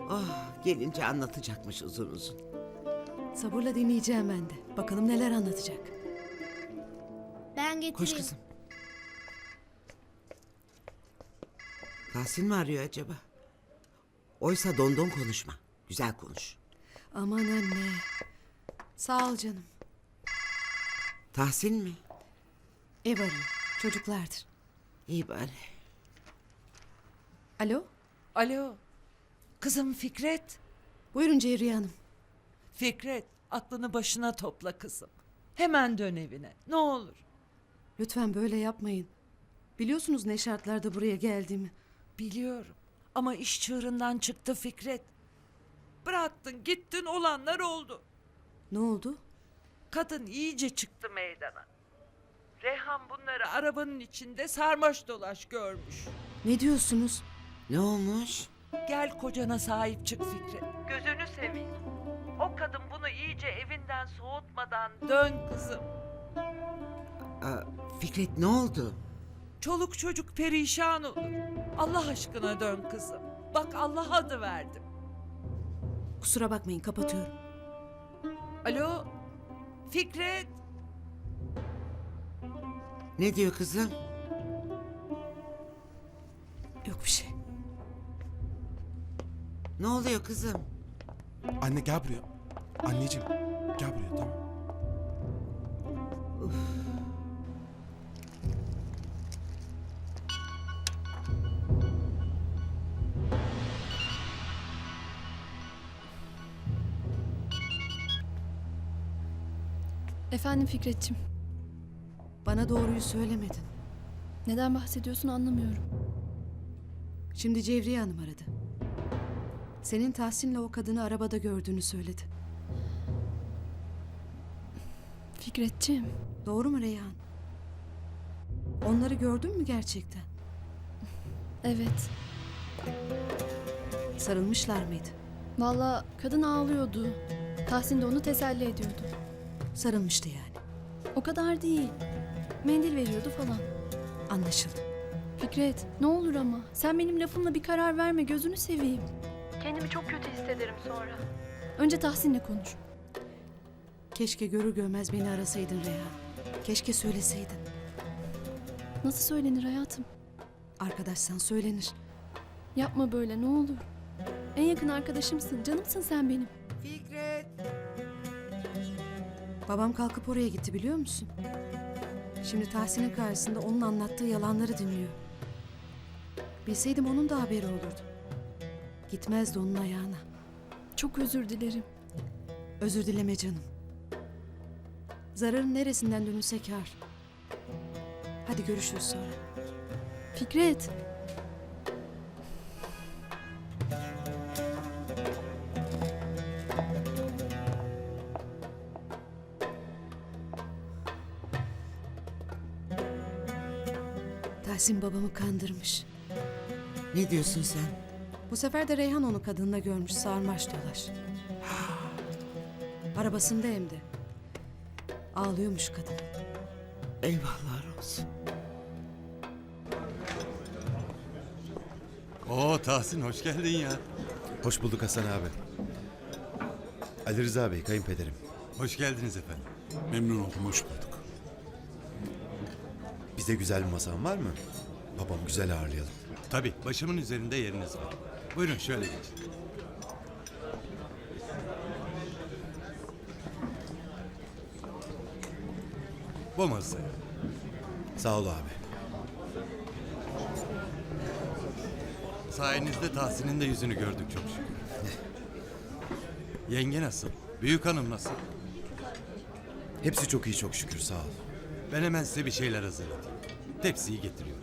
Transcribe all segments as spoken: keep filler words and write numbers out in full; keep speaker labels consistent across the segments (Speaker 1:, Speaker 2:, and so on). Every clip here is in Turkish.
Speaker 1: Oh, gelince anlatacakmış uzun uzun.
Speaker 2: Sabırla dinleyeceğim ben de. Bakalım neler anlatacak.
Speaker 3: Ben getireyim.
Speaker 1: Koş kızım. Tahsin mi arıyor acaba? Oysa dondon konuşma. Güzel konuş.
Speaker 2: Aman anne. Sağ ol canım.
Speaker 1: Tahsin mi?
Speaker 2: Ev arıyor. Çocuklardır.
Speaker 1: İyi bari.
Speaker 2: Alo?
Speaker 4: Alo. Kızım Fikret.
Speaker 2: Buyurun Cevriye Hanım.
Speaker 4: Fikret, aklını başına topla kızım. Hemen dön evine. Ne olur.
Speaker 2: Lütfen böyle yapmayın. Biliyorsunuz ne şartlarda buraya geldiğimi.
Speaker 4: Biliyorum. Ama iş çığırından çıktı Fikret. Bıraktın, gittin, olanlar oldu.
Speaker 2: Ne oldu?
Speaker 4: Kadın iyice çıktı meydana. Reyhan bunları arabanın içinde sarmaş dolaş görmüş.
Speaker 2: Ne diyorsunuz?
Speaker 1: Ne olmuş?
Speaker 4: Gel kocana sahip çık Fikret. Gözünü seveyim. O kadın bunu iyice evinden soğutmadan dön kızım.
Speaker 1: Aa, Fikret ne oldu?
Speaker 4: Çoluk çocuk perişan olur. Allah aşkına dön kızım. Bak Allah adı verdim.
Speaker 2: Kusura bakmayın, kapatıyorum.
Speaker 4: Alo Fikret.
Speaker 1: Ne diyor kızım?
Speaker 2: Yok bir şey.
Speaker 1: Ne oluyor kızım?
Speaker 5: Anne gel buraya. Anneciğim gel buraya, tamam.
Speaker 6: Efendim Fikretçim,
Speaker 2: Bana doğruyu söylemedin.
Speaker 6: neden bahsediyorsun anlamıyorum.
Speaker 2: Şimdi Cevriye Hanım aradı. Senin Tahsin'le o kadını arabada gördüğünü söyledi.
Speaker 6: Fikretçim,
Speaker 2: Doğru mu Reyhan? Onları gördün mü gerçekten?
Speaker 6: evet.
Speaker 2: Sarılmışlar mıydı?
Speaker 6: Vallahi kadın ağlıyordu. Tahsin de onu teselli ediyordu.
Speaker 2: Sarılmıştı yani.
Speaker 6: O kadar değil. Mendil veriyordu falan.
Speaker 2: Anlaşıldı.
Speaker 6: Fikret, ne olur ama sen benim lafımla bir karar verme, gözünü seveyim. Kendimi çok kötü hissederim sonra. Önce Tahsin'le konuş.
Speaker 2: Keşke görür görmez beni arasaydın Reyhan. Keşke söyleseydin.
Speaker 6: Nasıl söylenir hayatım?
Speaker 2: Arkadaşsan söylenir.
Speaker 6: Yapma böyle, ne olur. En yakın arkadaşımsın, canımsın sen benim.
Speaker 1: Fikret.
Speaker 2: Babam kalkıp oraya gitti biliyor musun? Şimdi Tahsin'in karşısında onun anlattığı yalanları dinliyor. Bilseydim onun da haberi olurdu. Gitmezdi onun ayağına.
Speaker 6: Çok özür dilerim.
Speaker 2: Özür dileme canım. Zararın neresinden dönülse kâr. Hadi görüşürüz sonra.
Speaker 6: Fikret.
Speaker 2: Tahsin babamı kandırmış.
Speaker 1: Ne diyorsun sen?
Speaker 2: Bu sefer de Reyhan onu kadınla görmüş, sarmaş dolaş. Arabasında hem de. Ağlıyormuş kadın.
Speaker 1: Eyvahlar olsun.
Speaker 7: Oo Tahsin hoş geldin ya.
Speaker 8: Hoş bulduk Hasan abi. Ali Rıza Bey, kayınpederim.
Speaker 7: Hoş geldiniz efendim.
Speaker 5: Memnun oldum, hoş bulduk.
Speaker 8: Bize güzel bir masan var mı? Babam güzel ağırlayalım.
Speaker 7: Tabii başımın üzerinde yeriniz var. Buyurun şöyle geçin. Bu masaya.
Speaker 8: Sağ ol abi.
Speaker 7: Sayenizde Tahsin'in de yüzünü gördük çok şükür. Yenge nasıl? Büyük hanım nasıl?
Speaker 8: Hepsi çok iyi çok şükür, sağ ol.
Speaker 7: Ben hemen size bir şeyler hazırlatayım. Tepsiyi getiriyorum.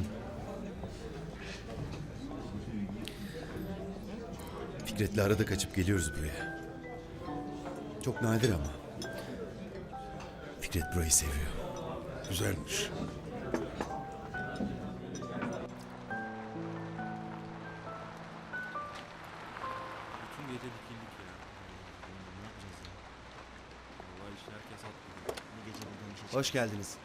Speaker 8: Fikret'le arada kaçıp geliyoruz buraya. Çok nadir ama. Fikret burayı seviyor.
Speaker 5: Güzelmiş.
Speaker 9: Bütün gece dikildik ya. Ne yapacağız ya? Vallahi işte herkes haklı. Bu gece buradan bir şey çıkar.
Speaker 8: Hoş geldiniz.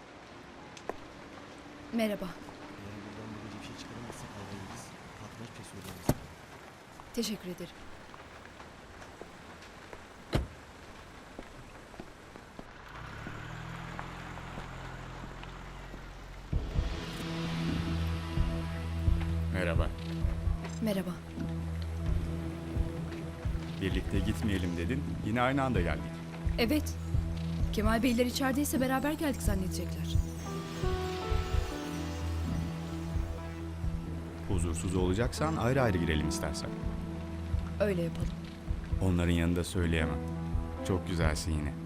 Speaker 6: Merhaba.
Speaker 9: Eğer buradan bu gece bir şey çıkaramazsak havayı biz. Patron hiçbir şey söyleyemez.
Speaker 6: Teşekkür ederim.
Speaker 10: Merhaba.
Speaker 6: Merhaba.
Speaker 10: Birlikte gitmeyelim dedin. Yine aynı anda geldik.
Speaker 6: Evet. Kemal Beyler içerideyse beraber geldik zannedecekler.
Speaker 10: Huzursuz olacaksan ayrı ayrı girelim istersen.
Speaker 6: Öyle yapalım.
Speaker 10: Onların yanında söyleyemem. Çok güzelsin yine.